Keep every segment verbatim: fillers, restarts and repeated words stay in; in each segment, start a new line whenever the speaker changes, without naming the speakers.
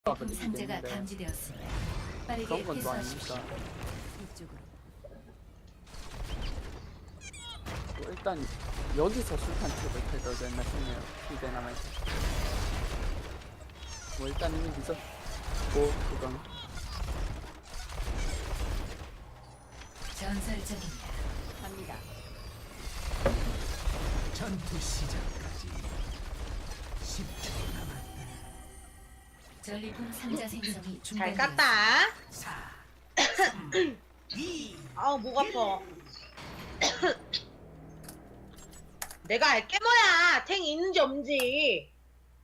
아까
상자가
얘기했는데
감지되었습니다. 빠르게
그런 건 또
회수하십시오.
아니니까.
이쪽으로.
뭐 일단 여기서 술탄 팁을 해도 됐나 싶네요. 이제 남아있어. 뭐 일단 이미 늦었고 그건
전설적입니다. 갑니다.
전투 시작까지 십 초 남았다.
전리품 상자 생성이
잘
중단되었습니다.
깠다.
사,
아우 목 아파. 내가 알게 뭐야. 탱 있는지 없는지.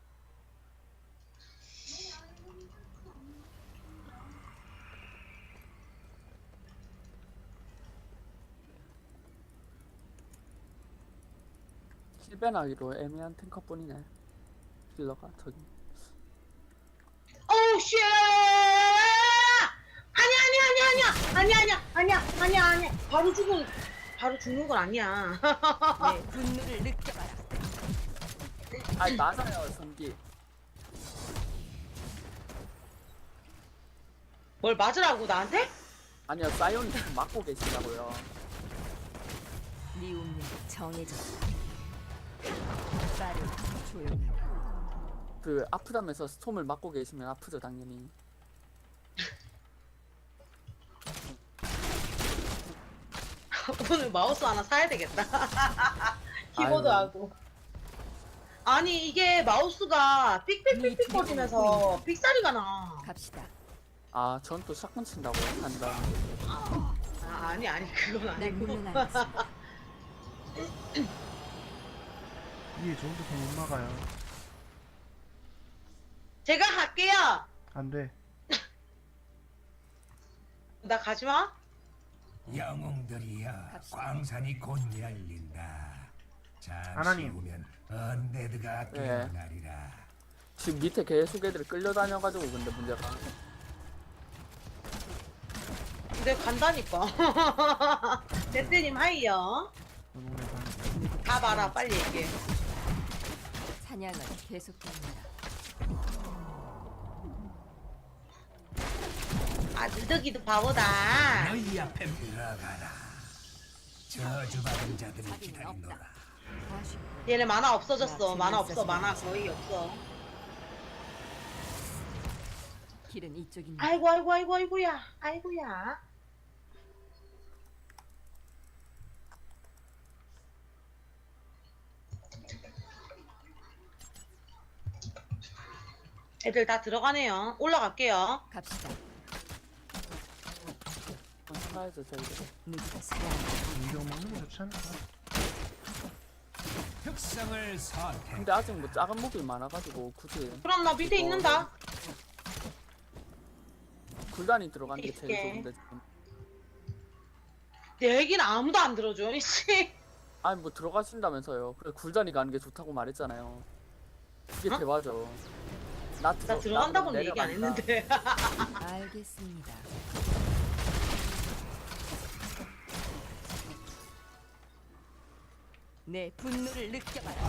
힐벤하기로 애매한 탱커뿐이네. 힐러가 저기.
오우 쉣. 아니야 아니야 아니야 아니야 아니야 아니야 아니야 아니야 바로 죽은 바로 죽는 건 아니야.
내 분노를 느껴봐라.
아니 맞아요 전기.
뭘 맞으라고 나한테?
아니요 사이온이 지금 막고 계시다고요.
네 운명이 정해졌다. 빠르고 조용하게.
그 아프다면서 스톰을 막고 계시면 아프죠 당연히.
오늘 마우스 하나 사야 되겠다. 키보드하고. 아니 이게 마우스가 삑삑삑삑 거리면서 삑사리가 나.
갑시다.
아 전 또 샷건 친다고 한다.
아, 아니 아니 그건
난
아니고.
물러나겠습니다.
이게 저기서 못 막아요.
제가 할게요.
안 돼.
나 가지마.
영웅들이여,
갑시다.
광산이 곧 열린다. 잠시
하나님.
후면 언데드가
네.
깨어나리라.
지금 밑에 계속 애들이 끌려다녀가지고 근데 문제가
내가 간다니까. 대대님 하이요.
노동의 방.
가봐라 빨리 얘기해.
사냥은 계속됩니다.
아 느덕이도 바보다.
너희 앞에 들어가라. 저주받은 자들이 기다리노라.
아쉽고
얘네 만화 없어졌어. 만화 없어. 만화 거의 없어.
길은 이쪽입니다.
아이고 아이고 아이고 아이고야. 아이고야. 애들 다 들어가네요. 올라갈게요.
갑시다.
살아야죠 저희들.
누구가 사랑
인정 먹는 게 좋지 않을까?
특성을 선택.
근데 아직 뭐 작은 몹이 많아가지고 굳이
그럼 나 밑에 있는다.
굴단이 들어가는 게 제일
있게.
좋은데 지금.
내 얘기는 아무도 안 들어줘. 이씨.
아니 뭐 들어가신다면서요. 그래 굴단이 가는 게 좋다고 말했잖아요. 그게
어?
대화죠. 나, 들어,
나 들어간다고는
나도
얘기 안
내려간다.
했는데.
알겠습니다. 내 분노를 느껴봐라.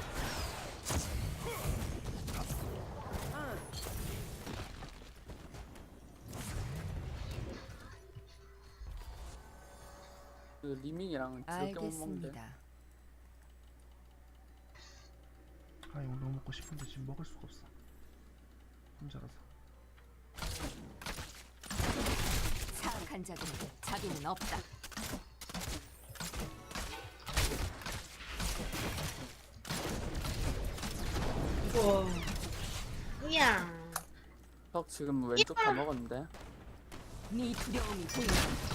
그 리밍이랑 지겹게 못 먹는데.
알겠습니다.
아 이거 너무 먹고 싶은데 지금 먹을 수가 없어. 혼자라서.
사악한 자들에게 자비는 없다.
우와. 이야.
턱 지금 왼쪽 다 먹었는데.
네 두려움이 보인다.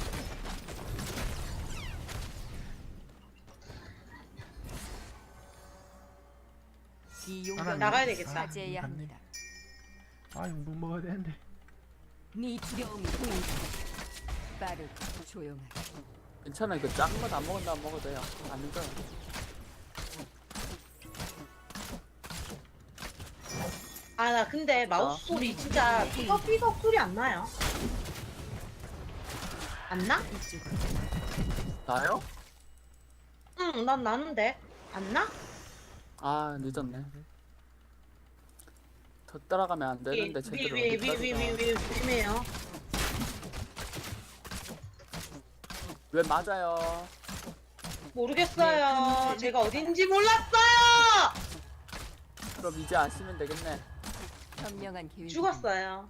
이 용병을
나가야 되겠다.
차지해야
갔네.
합니다.
아 이거 못 먹어야 되는데.
네 두려움이 보인다. 빠르고 조용하게.
괜찮아요. 그 작은 거 다 먹었나 안 먹어도 돼요. 안 늦어요.
아 나 근데 마우스 소리 진짜 삐걱삐걱 소리 안 나요? 안 나?
이쪽으로.
나요?
응, 난 나는데 안 나?
아 늦었네. 더 따라가면 안 되는데 제대로
위위위위위
어디까지가.
조심해요.
왜 맞아요?
모르겠어요. 제가 어딘지 몰랐어요.
그럼 이제 아시면 되겠네.
현명한 계획.
죽었어요.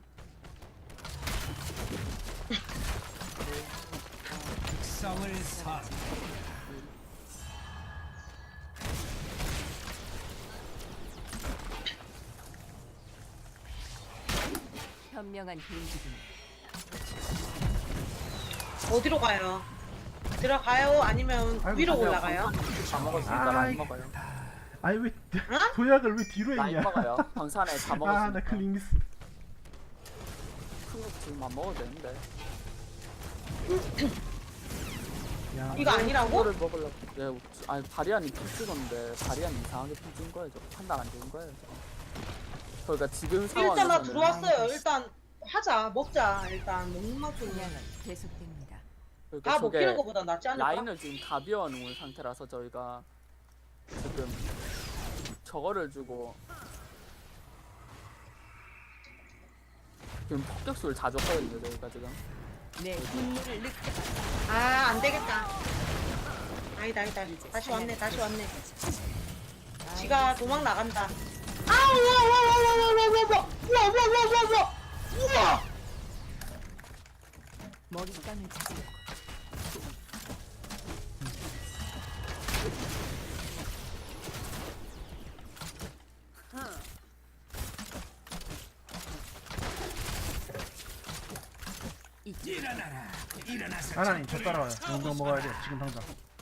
특성을 선택.
현명한 계획이군.
어디로 가요? 들어가요? 아니면
아이고,
위로
아니요,
올라가요?
다 먹었으니까
아이.
라인 먹어요.
아니 왜 도약을 왜 뒤로
라인
했냐?
먹어요. 방산에 다 먹었으니까.
아 나 클릭 미스.
큰거 지금 안 먹어도 되는데.
야
이거 아니라고?
이거를 먹으려고. 네, 아니 바리안이 피 찍었는데 바리안이 이상하게 피 찍은 거예요. 저. 판단 안 좋은 거예요. 저. 그러니까 지금 상황에서는
일단 나 들어왔어요. 일단 하자. 먹자. 일단 먹는 맛좀
분양은 계속됩니다.
그러니까
다
저게
먹히는 것보다 낫지 않을까?
라인을 지금 다 비워놓은 상태라서 저희가 지금 저거를 주고 지금 폭격수를 다 줬거든요. 저희가 지금.
내 분노를 느껴.
아, 안 되겠다. 아니다, 아니다. 다시 왔네, 다시 왔네. 지가 도망 나간다. 아, 우와, 우와, 우와, 우와, 우와, 우와, 우와, 우와, 우와, 우와, 우와, 우와.
먹잇감을 찾으려고. 이쪽.
일어나라. 일어나서
하나님 저 따라와요. 용병 먹어야 돼 지금 당장.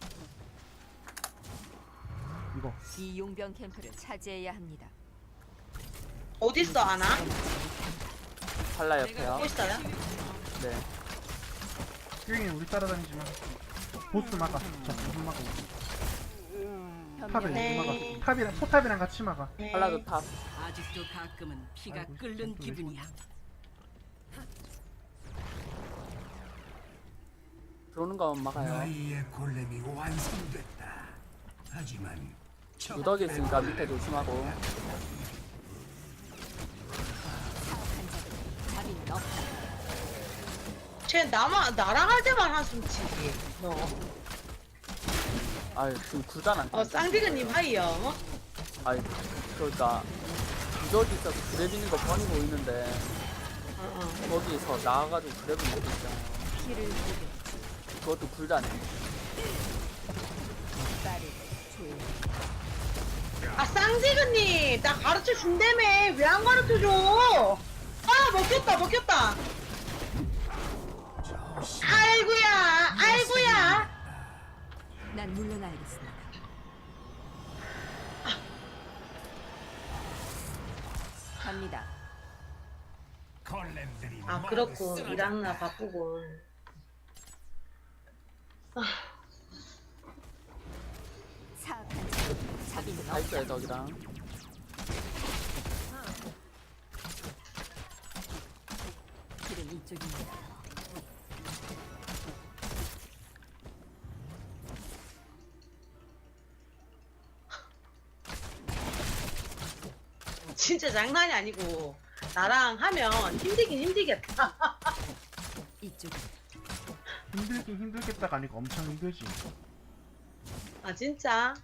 이거
이 용병 캠프를 차지해야 합니다.
어딨어, 아나?
팔라 옆에요.
보고 있어요?
네.
큐잉이 우리 따라다니지 마. 보스 막아. 저 보스 막아. 탑에
네.
막아. 탑이랑 포탑이랑 같이 막아.
네.
팔라도 탑.
아직도 가끔은 피가
아이고,
끓는
또
기분이야.
들어오는 거만 막아요.
너희의 골렘이 완성됐다. 하지만 적
무더기 있으니까 밑에 조심하고.
사악한 자들은 자비는 없다.
쟤 나만, 나랑 할 때만 한숨 치지. 너.
아유 지금 굴단 안.
어, 쌍디그님 하이요.
아이 그러니까 무더기 있어서 그래비는 거 뻔히 보이는데
어, 어.
거기서 나와가지고 그래비 먹고 있잖아요.
피를 보게
그것도 굴단에.
빠르게 조용히.
아, 쌍디그님! 나 가르쳐 준다며! 왜 안 가르쳐 줘? 아, 먹혔다, 먹혔다! 아이고야! 아이고야!
난 물러나야겠습니다. 갑니다.
골렘들이
아,
모두
그렇고,
쓰러졌다.
이랑나 바꾸고.
사악한 자들은 자비는
다 있어요
없다.
저기랑.
길은 이쪽입니다.
진짜 장난이 아니고, 나랑 하면 힘들긴 힘들겠다.
이쪽은
힘들긴 힘들겠다가 아니고 엄청 힘들지.
아, 진짜?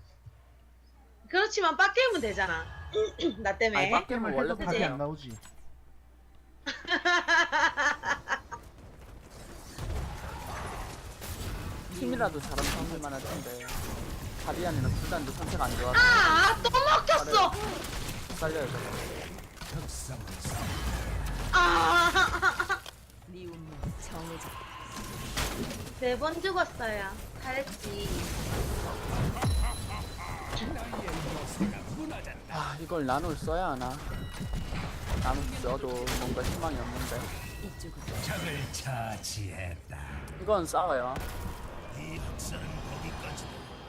그렇지만 빡게임은 되잖아. 나 때문에.
아니, 빡-
게임을
원래
해도 답이
그지?
안 나오지.
힘이라도 잘하면 할만 할 텐데. 바리안이랑 굴단도 선택 안 좋아서
아, 또 먹혔어!
살려야 돼.
특성을 선택.
아,
네 운명 정해져.
네 번 죽었어요. 잘했지.
아 이걸 나눌 써야 하나. 나눌 써도 뭔가 희망이 없는데.
이쪽은
적을 처치했다.
이건 싸워요.
이 학살은 거기까지.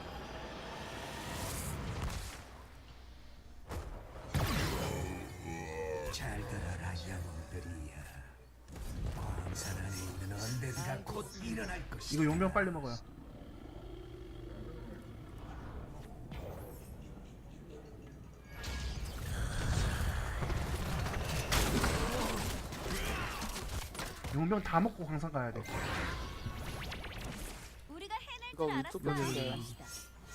잘 들어라 영웅들이야. 광산 안에 있는 언데드가 곧 일어날 것이다.
이거 용병 빨리 먹어요. 용병 다 먹고 광산 가야 돼.
우리가 해낼
이거
줄
위쪽
알았어.
여기, 여기.
갑시다.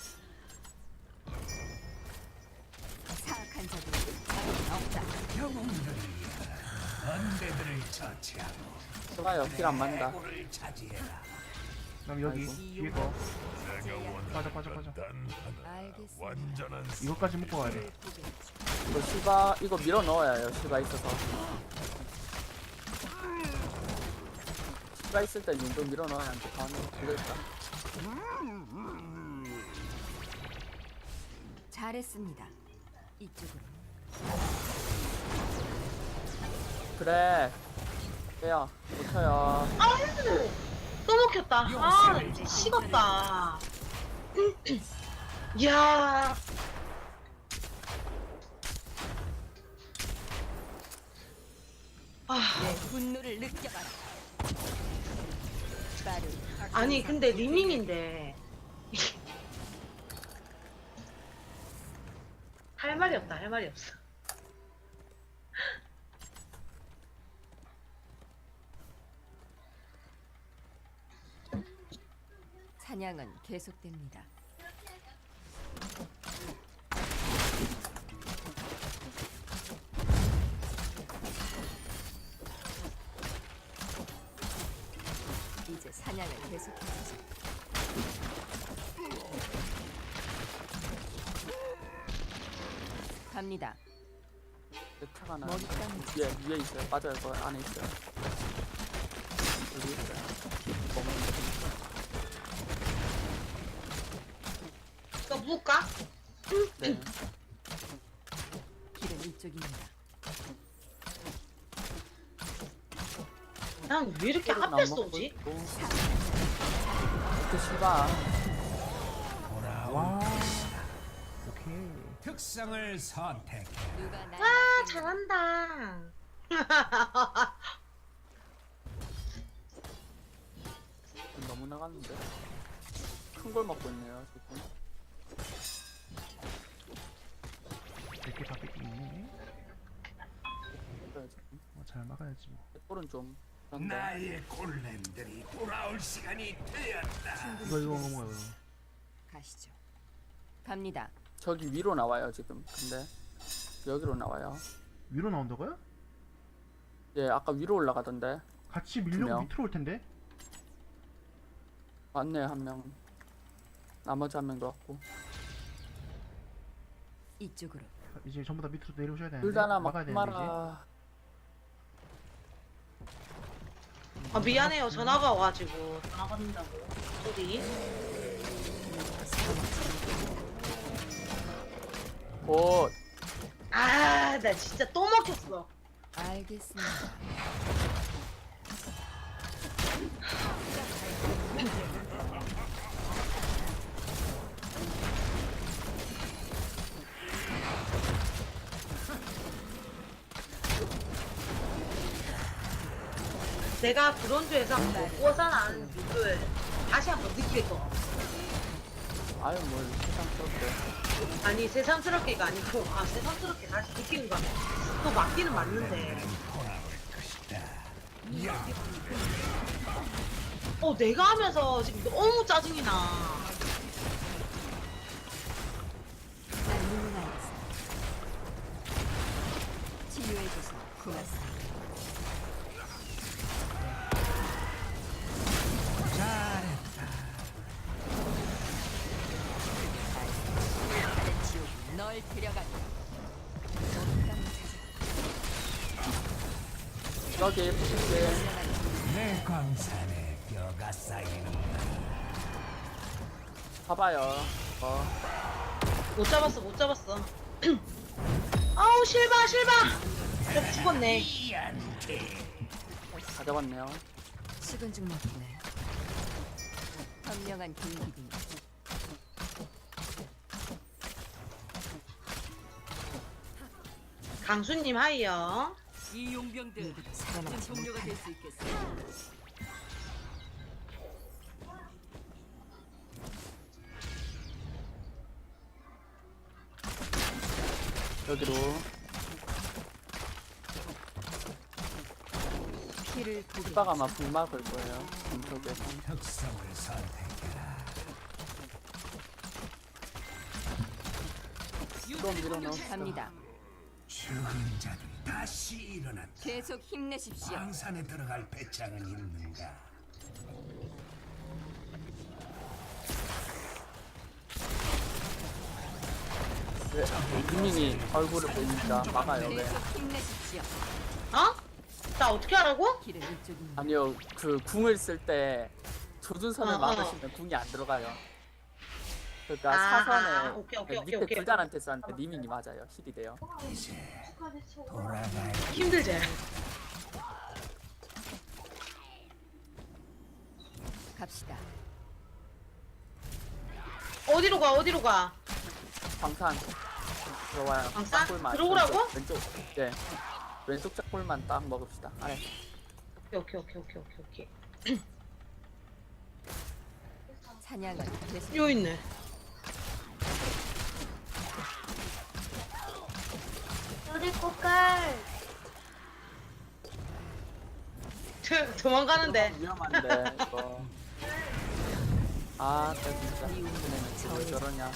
사악한 자들은 자격은 없다.
영웅들이여 언데드를 처치하고
좋아요. 길 안 맞는다.
해골을 차지해라.
그럼 여기
아이고.
뒤에 거 빠져 빠져 빠져.
알겠습니다.
이거까지 먹고 가야 돼.
이거 시바 이거 밀어 넣어야 해요. 시바 있어서. 시바 있을 때 용병 밀어 넣어야 하는데 다음에 되겠다.
잘했습니다. 이쪽으로.
그래. 빼요. 못 쳐요.
아우 또 먹혔다. 아 진짜 식었다. 이야. 아
내 분노를 느껴봐라. 빠른
아니 근데 리밍인데 할 말이 없다. 할 말이 없어.
사냥은 계속됩니다. 이제 사냥을 계속해보자. 갑니다.
내 차가 나.
머리 감는
위에 위에 있어요. 빠져요. 그 안에 있어요. 여기 있어요. 먹는 거.
이거 묶을까?
네.
길은 이쪽입니다.
난 왜 이렇게
안
앞에
먹고
쏘지?
있고. 그 시바.
와. 오케이.
특성을 선택해.
누가 날
와
맡기는
잘한다.
너무 나갔는데. 큰 걸 먹고 있네요. 지금.
이렇게 다 뺏기네.
그래요, 지금.
어, 잘 막아야지 뭐.
꼴은 좀. 그런데.
나의 골렘들이 돌아올 시간이 되었다.
이거 이거 이거 뭐야 이거.
가시죠. 갑니다.
저기 위로 나와요 지금. 근데 여기로 나와요.
위로 나온다고요?
예, 아까 위로 올라가던데.
같이
두
밀려고
명.
밑으로 올 텐데.
맞네 한 명. 나머지 한 명도 왔고.
이쪽으로.
이제 전부 다 밑으로 내려오셔야 되는데.
둘 다나
막아야
막
되는데
마라.
아 미안해요. 전화가 와가지고 전화 받는다고. 소리.
곧.
아 나 진짜 또 먹혔어.
알겠습니다.
내가 브론즈에서 먹고 사는 뷰를 다시 한번 느낄 거.
아유 뭘 세상스럽게.
아니 새삼스럽게가 아니고 아 새삼스럽게 다시 느끼는 거야. 또 맞기는 맞는데. 어 내가 하면서 지금 너무 짜증이 나.
난 물러나겠어. 치유해줘서 고맙습니다. 다른 지옥이 널 데려간다.
여기 붙을게.
내 광산에 뼈가 쌓이는다.
봐봐요. 어.
못 잡았어 못 잡았어. 아우 실바 실바. 저 죽었네.
다 잡았네요.
식은 죽 먹네. 현명한 공기군.
강수님 하이요.
이 용병들
누구도 살아남지
동료가 될
못한다.
수 있겠어.
여기로.
길을 보게.
오빠가 아마 불막을 거예요. 중쪽에서.
특성을 선택해라.
또 밀어넣었어.
갑니다.
죽은 자들이 다시 일어났다.
계속 힘내십시오.
광산에 들어갈 배짱은 있는가?
왜? 유민이 얼굴을 보니까 막아요. 왜?
계속 힘내십시오.
어? 나 어떻게 하라고?
길은 이쪽입니다.
아니요, 그 궁을 쓸 때 조준선을
어, 어.
막으시면 궁이 안 들어가요. 그러니까
아,
사선에
아, 오케이, 오케이,
네,
오케이,
밑에
오케이.
불단한테 쐈는데 리밍이 맞아요. 힐이 돼요.
이제 돌아갈
힘들지?
갑시다.
어디로 가 어디로 가?
방탄 들어와요.
방탄?
짝골만.
들어오라고?
왼쪽, 왼쪽. 네. 왼쪽 짝골만 딱 먹읍시다. 아래.
오케이 오케이 오케이 오케이 오케이.
사냥은 계속.
요 있네.
우리 꽃갈
저, 도망가는데.
위험한데 이거. 아, 나 진짜. 쟤네는 왜 저러냐.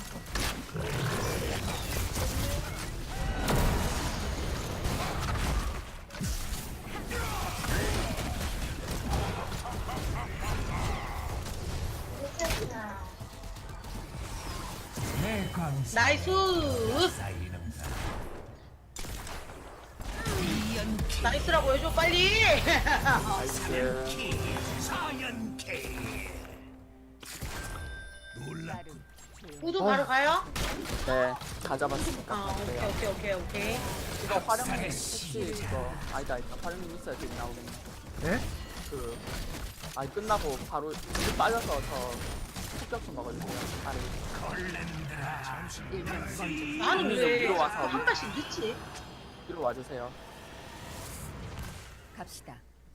내 광산
나이스.
쌓이는가?
나이스라고 해줘 빨리.
나이스.
사연케 놀라
나름 조용.
우도 바로 가요?
네, 다 잡았으니까.
아 오케이
가세요.
오케이 오케이 오케이.
이거 활용님 혹시 이거 아니다 아니다 활용님 있어야 되게 나오겠네.
네?
그 아니 끝나고 바로 물 빠져서 저 폭격수 먹어주세요. 아래
일단 먼저
나는
위로
왜
위로 와서
한 발씩 늦지?
뒤로 와주세요.
갑시다.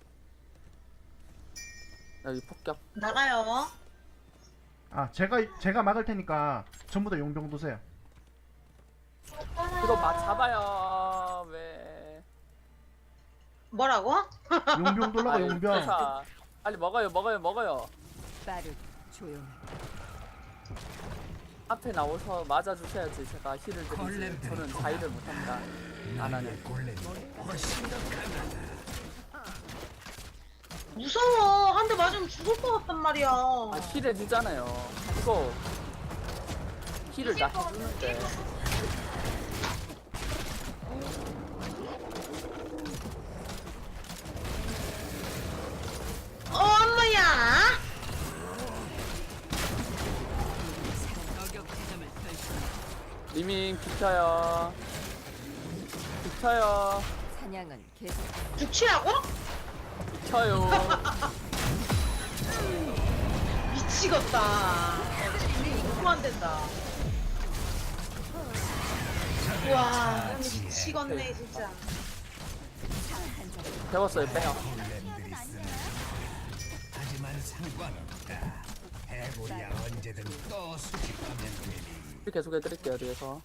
여기 폭격.
나가요.
아 제가 제가 막을 테니까 전부 다 용병 도세요.
이거 막 잡아요. 왜?
뭐라고?
용병 돌라고
아유,
용병.
회사. 빨리 먹어요 먹어요 먹어요.
빠르고 조용히.
앞에 나오서 맞아주셔야지 제가 힐을 드리지. 저는 자의를 못합니다. 안 하네.
골렘 훨씬 더 강하다.
무서워. 한 대 맞으면 죽을 것 같단 말이야.
아 힐 해주잖아요. 이거 힐을 나 해주는데.
엄마야.
저격 지점을 펼쳐
리밍 비켜요. 비켜요.
사냥은 계속.
죽치라고?
비켜요.
미치겠다. 이거 안 된다. 와 미치겠네 진짜.
배웠어요 빼요.
골렘들이 쓰는 하지만 상관없다. 해골이야 언제든 또 수집하면 되니.
힐 계속 해드릴게요 뒤에서.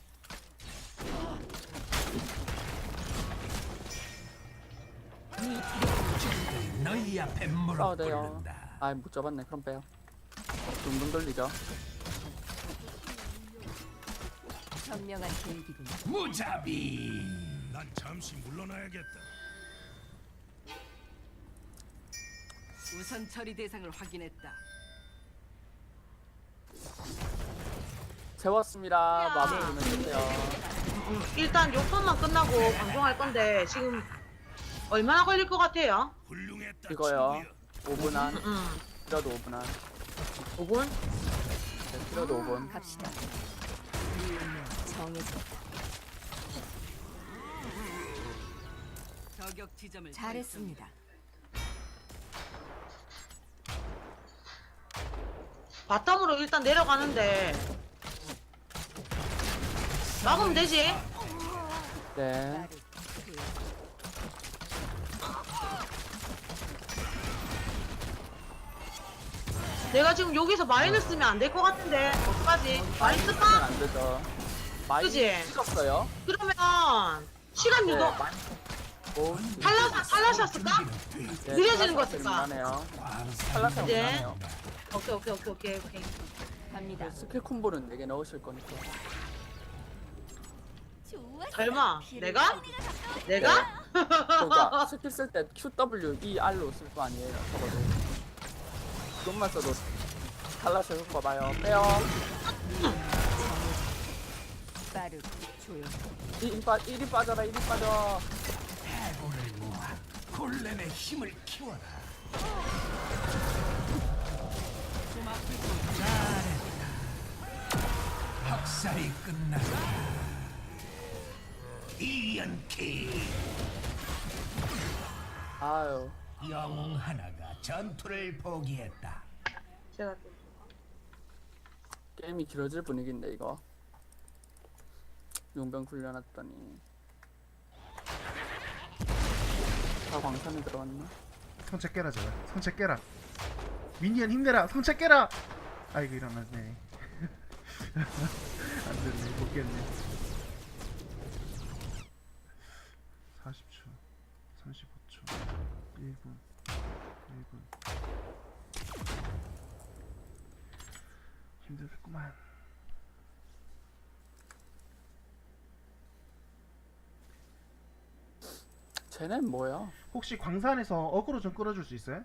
너희 앞에 무릎
싸워대요.
꿇는다.
아 못 잡았네. 그럼 빼요. 둥둥 돌리죠.
현명한 계획이군요.
무자비.
난 잠시 물러나야겠다.
우선 처리 대상을 확인했다.
재웠습니다. 마무리 좀 해주세요.
일단 요건만 끝나고 방송할 건데 지금 얼마나 걸릴 것 같아요?
훌륭했다.
이거요.
친구야.
오 분 안.
응.
필요도 오 분 안.
오 분?
네, 필요도 오 분.
갑시다. 이 운명 정해졌다.
저격 지점을
잘했습니다.
바텀으로 일단 내려가는데 막으면 되지?
네.
빠르고 조용히.
내가 지금 여기서 마이너스 쓰면 안 될 것 같은데 어떡하지? 마이너스
쓰면
빠?
안 되죠. 많이
그지?
찍었어요.
그러면 시간
네.
유도
많이, 오,
탈락 탈락셨을까?
네,
느려지는 거
탈락이
같다.
나네요.
광산
탈락이
이제.
나네요.
오케이 오케이 오케이 오케이 오케이.
갑니다.
스킬 콤보는 네 개 넣으실 거니까.
설마 내가? 내가?
그러니까 스킬 쓸 때 Q W E R로 쓸 거 아니에요. 적어도. 그것만 써도 탈락을 효과 봐요. 빼요.
빠르고 조용하게.
일이 빠, 일이 빠져라, 일이 빠져.
해골을 모아 골렘의 힘을 키워라. 잘했다. 학살이 끝났다. 이연키
아유.
영웅 하나가 전투를 포기했다.
제가 또
게임이 길어질 분위기인데, 이거. 용병 굴려놨더니. 다 광산에 들어갔나?
성체 깨라 제발. 성체 깨라. 미니언 힘내라. 성체 깨라. 아이고 일어났네. 안 됐네. 못 깼네. 사십 초, 삼십오 초, 일 분, 일 분. 힘들겠구만.
쟤넨 뭐야?
혹시 광산에서 어그로 좀 끌어줄 수 있어요?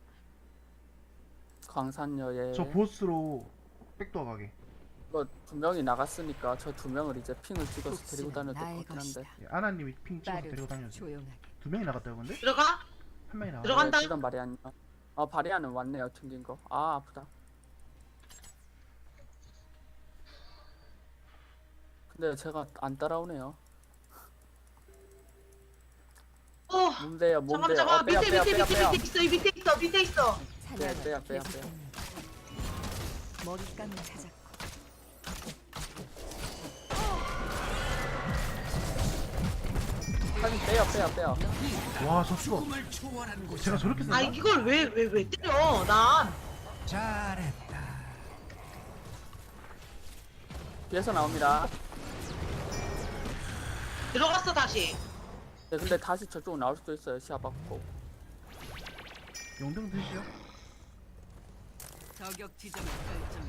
광산여에.
저 보스로 백도어 가게.
이거 두 명이 나갔으니까 저 두 명을 이제 핑을 찍어서 데리고
복수는
다녀도 될
나의
것 같긴 한데.
것이다.
예, 아나님이 핑 찍어서 데리고
빠르고
다녀주세요.
조용하게.
두 명이 나갔다고 근데?
들어가?
한 명이 나갔.
들어간다.
네, 바리안. 아, 바리안은 왔네요. 튕긴 거. 아, 아프다. 근데 제가 안 따라오네요.
어.
뭔데요,
잠깐만
뭔데요?
잠깐만
어, 빼야,
밑에
빼야,
밑에
빼야,
밑에
빼야.
밑에 있어 이 밑에 있어 밑에 있어.
사냥은
빼야, 빼야,
계속됩니다. 먹잇감을 찾았고
사진 빼요, 빼요, 빼요.
와, 저 죽어.
꿈을 초월한 곳.
제가 저렇게
아
쓴다?
이걸 왜 왜 왜 때려? 난
잘했다.
뒤에서 나옵니다.
들어갔어 다시.
네, 근데 다시 저쪽으로 나올 수도 있어요. 시야 받고.
용병 드시죠?
저격 지점을 설정해.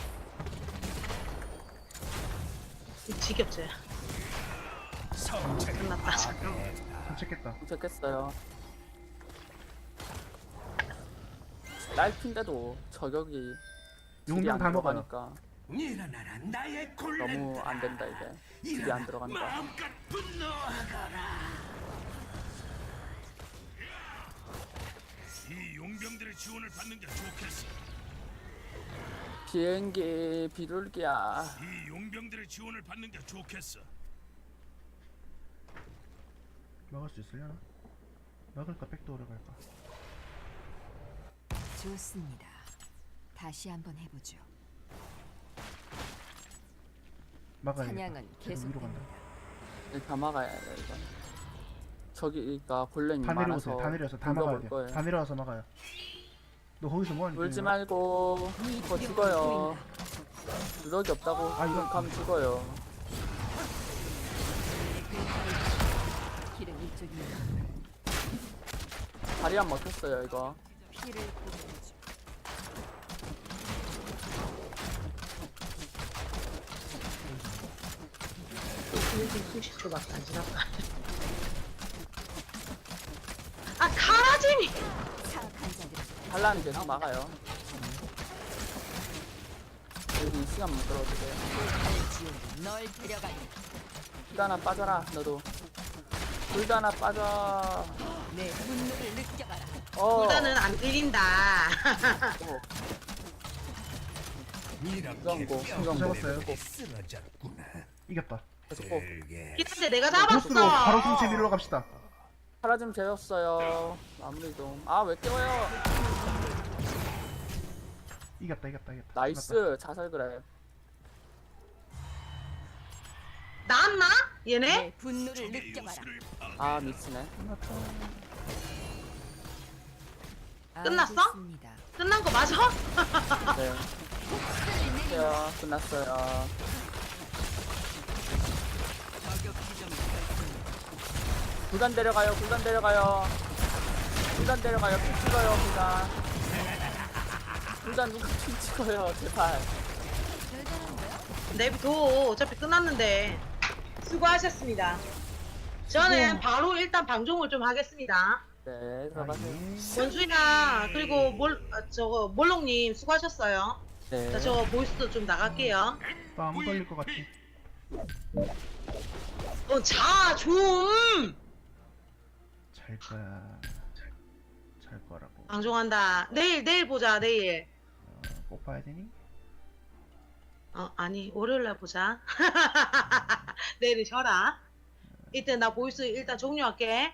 지겹지.
성체를
끝났다.
파괴했다.
산책했다.
도착했어요. 날핀데도 저격이 딜이
용병
안
다 먹어요.
들어가니까
일어나라 나의 골렘.
너무 안 된다 이게. 딜이 안 들어간다.
마음껏 분노하거라.
이 용병들의 지원을 받는 게 좋겠어.
비행기 비둘기야.
이 용병들의 지원을 받는 게 좋겠어.
막을 수 있으려나? 막을까 백도어를 갈까?
좋습니다. 다시 한번 해보죠.
막아야겠다.
사냥은
지금 위로 간다.
계속됩니다.
다 막아야 돼 이건. 저기가 골렘이
다
많아서
내려오세요. 다 내려와서 다
공격
막아야
올
돼요.
거예요.
다 내려와서 막아요. 너 거기서 뭐하니?
울지 말고 더 죽어요. 누더기 없다고
아, 이거-
가면 죽어요.
길은 이쪽입니다.
다리 안 먹혔어요 이거.
피를 보내죠.
삼십 초밖에 안 지났다. 아 가라지미.
사악한 자들은
반란이 계속 막아요. 여기 시간 못 끌어주세요.
지옥으로 널 데려가니
불다나 빠져라 너도. 불다나 빠져.
내 분노를 느껴봐라.
어.
보다는 안 끌린다.
어,
이렇게
수정고
뼈
잡았어요.
쓰러졌구나.
이겼다.
계속 꼭
들게.
기다려 내가
보스로
잡았어.
바로 승체 밀러 갑시다.
사라짐 재웠어요. 마무리 좀. 아 왜 깨워요?
이겼다, 이겼다, 이겼다.
나이스 자살 그래.
나왔나? 얘네?
내 분노를
적의
느껴봐라.
요술을
아 미치네.
끝났어?
알겠습니다.
끝난 거 맞아?
네. 끝났어요. 끝났어요.
저격 지점을 설정해.
구단 데려가요. 구단 데려가요. 구단 데려가요. 피 찍어요. 구단. 구단 누가 피 찍어요. 제발.
내비둬. 어차피 끝났는데. 수고하셨습니다. 저는 바로 일단 방종을 좀 하겠습니다.
네, 들어가세요.
원수이나 그리고 몰 아, 저거 몰롱님 수고하셨어요.
네.
자, 저 보이스도 좀 나갈게요.
땀 걸릴 것 같아.
어, 자, 좀
잘 거야. 잘 거라고.
방종한다. 내일 내일 보자. 내일.
어, 꼭 봐야 되니?
어, 아니 월요일 날 보자. 내일 쉬어라. 이때 나 보이스 일단 종료할게.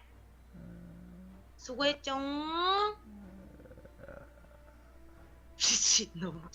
수고했죠. 미친놈.